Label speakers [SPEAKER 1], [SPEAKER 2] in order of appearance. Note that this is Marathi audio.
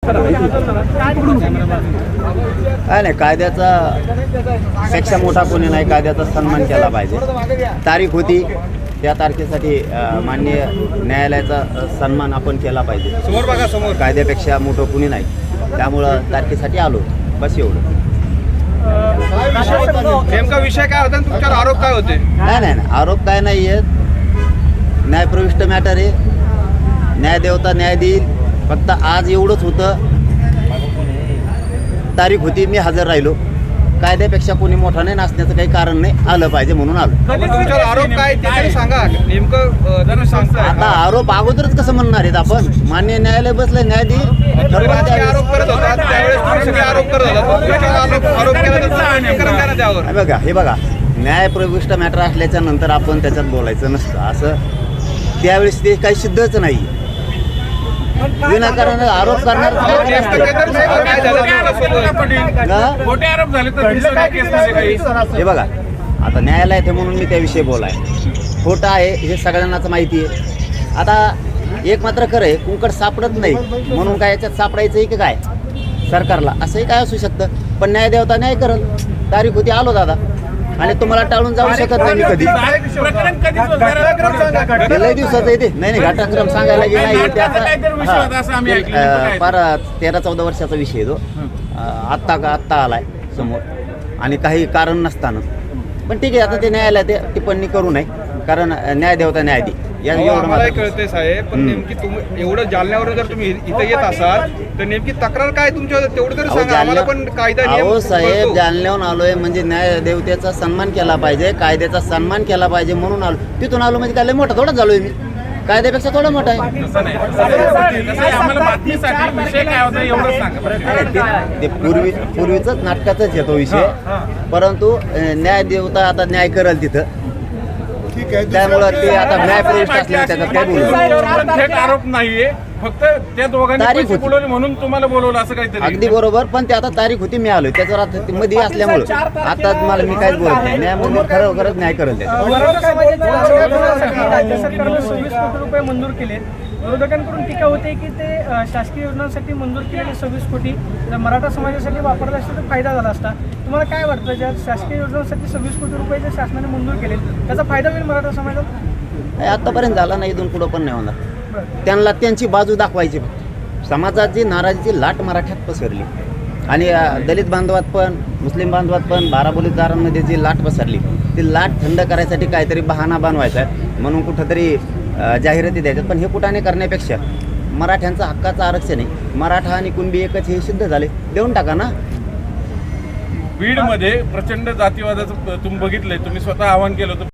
[SPEAKER 1] काय नाही, कायद्याचा पेक्षा मोठा कोणी नाही, कायद्याचा सन्मान केला पाहिजे. तारीख होती त्या तारखेसाठी माननीय न्यायालयाचा सन्मान आपण केला पाहिजे.
[SPEAKER 2] समोर बघा, समोर.
[SPEAKER 1] कायद्यापेक्षा मोठं कोणी नाही, त्यामुळं तारखेसाठी आलो, बस एवढं.
[SPEAKER 2] नेमका विषय काय होता, तुमच्यावर आरोप काय होते?
[SPEAKER 1] नाही, आरोप काय नाही आहेत, न्यायप्रविष्ट मॅटर आहे, न्यायदेवता न्याय देईल. फक्त आज एवढंच होतं, तारीख होती, मी हजर राहिलो. कायद्यापेक्षा कोणी मोठा नाही, नाचण्याचं काही कारण नाही, आलं पाहिजे म्हणून आलो.
[SPEAKER 2] तुमच्यावर आरोप काय ते तरी सांगा नेमकं. तुम्ही सांगताय
[SPEAKER 1] आता आरोप अगोदरच कसं म्हणणार आहेत आपण? मान्य न्यायालय बसलं, न्याय देईल.
[SPEAKER 2] आरोप करत होता त्यावेळेस तुम्ही सगळे आरोप करत होता, आरोप केला तर स्पष्टीकरण द्या ना त्यावर.
[SPEAKER 1] हे बघा, न्यायप्रविष्ट मॅटर असल्याच्या नंतर आपण त्याच्यात बोलायचं नसतं. असं त्यावेळेस ते काही सिद्धच नाही. विनाकारण आरोप करणार हे बघा. आता न्यायालय आहे म्हणून मी त्याविषयी बोलाय, खोटं आहे हे सगळ्यांनाच माहिती आहे. आता एक मात्र खरं आहे, कुंकड सापडत नाही म्हणून काय याच्यात सापडायचं आहे की काय सरकारला? असंही काय असू शकतं. पण न्यायदेवता न्याय करल. तारीख होती, आलो दादा, आणि तुम्हाला टाळून जाऊ शकत नाही मी कधी. लय दिवसाचं येते. नाही, घटनाक्रम सांगायला गेला फार 13-14 वर्षाचा विषय तो. आत्ता आलाय समोर, आणि काही कारण नसताना. पण ठीक आहे, आता ते न्यायालयात ते टिप्पणी करू नये, कारण न्यायदेवता न्याय दे.
[SPEAKER 2] मला कळते साहेब, पण नेमकी तुम्ही एवढं जालन्यावरून जर तुम्ही इथं येत असाल तर नेमकी तक्रार काय तुमच्या, तेवढं तरी सांगा आम्हाला. पण कायदा
[SPEAKER 1] अहो साहेब, जालन्याहून आलोय म्हणजे न्यायदेवतेचा सन्मान केला पाहिजे, कायद्याचा सन्मान केला पाहिजे म्हणून आलो. तिथून आलो म्हणजे काय मोठा थोडा झालोय मी? कायद्यापेक्षा थोडा मोठा आहे. ते पूर्वीच नाटकाचाच येतो विषय, परंतु न्यायदेवता आता न्याय करेल तिथं. त्यामुळे ते आता न्यायप्रविष्ट असल्याने त्याच्यात काय बोलू.
[SPEAKER 3] थेट आरोप नाहीये, फक्त त्या दोघांनी बोलवले म्हणून तुम्हाला बोलवलं असं काहीतरी.
[SPEAKER 1] अगदी बरोबर, पण ते आता तारीख होती, मी आलोय त्याच्यावर आता मध्ये असल्यामुळे आता मला मी काहीच बोलत नाही. न्यायामध्ये खरंच न्याय करेल त्याचा.
[SPEAKER 4] राज्य सरकारने 26 कोटी रुपये मंजूर केले. विरोधकांकडून टीका होते की ते शासकीय योजनांसाठी मंजूर केलेले 26 कोटी जर मराठा समाजासाठी वापरले असते तर फायदा झाला असता. तुम्हाला काय वाटतं, ज्या शासकीय योजनांसाठी 26 कोटी रुपये जे शासनाने मंजूर केले त्याचा फायदा होईल मराठा समाजाला?
[SPEAKER 1] आतापर्यंत झाला नाही, इथून पुढं पण नाही होणार. त्यांना त्यांची बाजू दाखवायची. समाजाची नाराजीची लाट मराठ्यात पसरली, आणि दलित बांधवात पण, मुस्लिम बांधवात पण, बाराबोलीदारांमध्ये जी लाट पसरली, ती लाट थंड करायसाठी काहीतरी बहाणा बनवायचा आहे म्हणून कुठंतरी जाहिराती द्यायच्यात. पण हे कुठाने करण्यापेक्षा मराठ्यांचं हक्काचं आरक्षण आहे, मराठा आणि कुणबी एकच हे सिद्ध झाले, देऊन टाका ना.
[SPEAKER 3] बीडमध्ये प्रचंड जातीवादाचं तुम्ही बघितलंय, तुम्ही स्वतः आवाहन केलं होतं.